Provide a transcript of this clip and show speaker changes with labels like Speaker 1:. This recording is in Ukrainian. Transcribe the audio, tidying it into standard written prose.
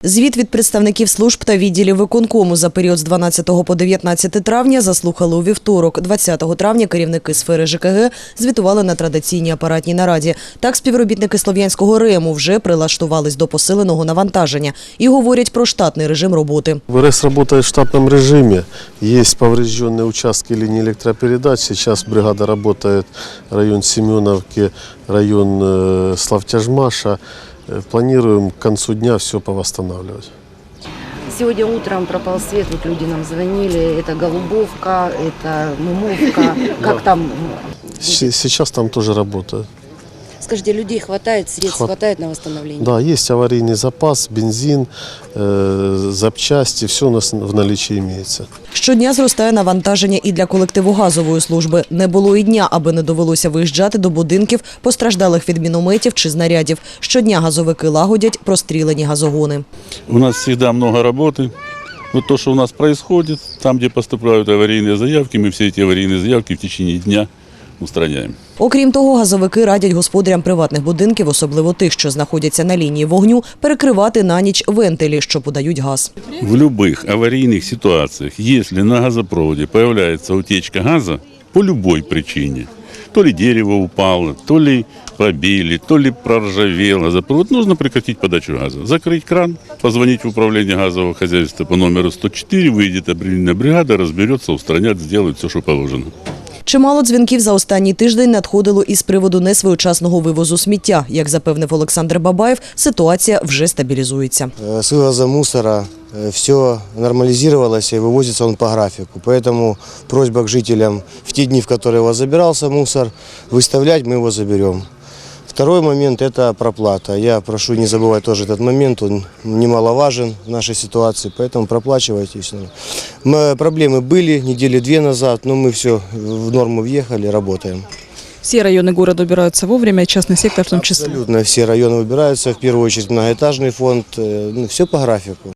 Speaker 1: Звіт від представників служб та відділів виконкому за період з 12 по 19 травня заслухали у вівторок. 20 травня керівники сфери ЖКГ звітували на традиційній апаратній нараді. Так, співробітники Слов'янського РЕМу вже прилаштувались до посиленого навантаження і говорять про штатний режим роботи.
Speaker 2: ВРС работает в штатном режиме. Есть поврежденные участки линии электропередач. Сейчас бригада работает район Семеновки, район Славтяжмаша. Планируем к концу дня все повосстанавливать.
Speaker 3: Сегодня утром пропал свет, вот люди нам звонили, это Голубовка, это Мумовка, как там?
Speaker 2: Сейчас там тоже работают.
Speaker 3: Скажите, людей хватает, средств хватает на восстановление?
Speaker 2: Да, есть аварийный запас, бензин, запчасти, все у нас в наличии имеется.
Speaker 1: Щодня зростає навантаження і для колективу газової служби. Не було і дня, аби не довелося виїжджати до будинків, постраждалих від мінометів чи знарядів. Щодня газовики лагодять прострілені газогони.
Speaker 4: У нас всегда много работы. Вот то, что у нас происходит, там, где поступают аварийные заявки, мы все эти аварийные заявки в течение дня устраняем.
Speaker 1: Окрім того, газовики радять господарям приватних будинків, особливо тих, що знаходяться на лінії вогню, перекривати на ніч вентилі, що подають газ.
Speaker 4: В любых аварийных ситуациях, если на газопроводе появляется утечка газа по любой причине, то ли дерево упало, то ли побили, то ли проржавел газопровод, нужно прекратить подачу газа. Закрыть кран, позвонить в управление газового хозяйства по номеру 104, выйдет аварийная бригада, разберется, устранят, сделают все, что положено.
Speaker 1: Чимало дзвінків за останній тиждень надходило із приводу несвоєчасного вивозу сміття. Як запевнив Олександр Бабаєв, ситуація вже стабілізується.
Speaker 5: С вывозом мусора все нормализировалось и вывозится он по графику. Поэтому просьба к жителям в те дни, в которые у вас забирался мусор, выставлять, мы его заберем. Второй момент – это проплата. Я прошу не забывать тоже этот момент, он немаловажен в нашей ситуации, поэтому проплачивайте. Проблемы были недели 2 назад, но мы все в норму въехали, работаем.
Speaker 6: Все районы города убираются вовремя, частный сектор в том числе.
Speaker 5: Абсолютно все районы убираются, в первую очередь многоэтажный фонд, все по графику.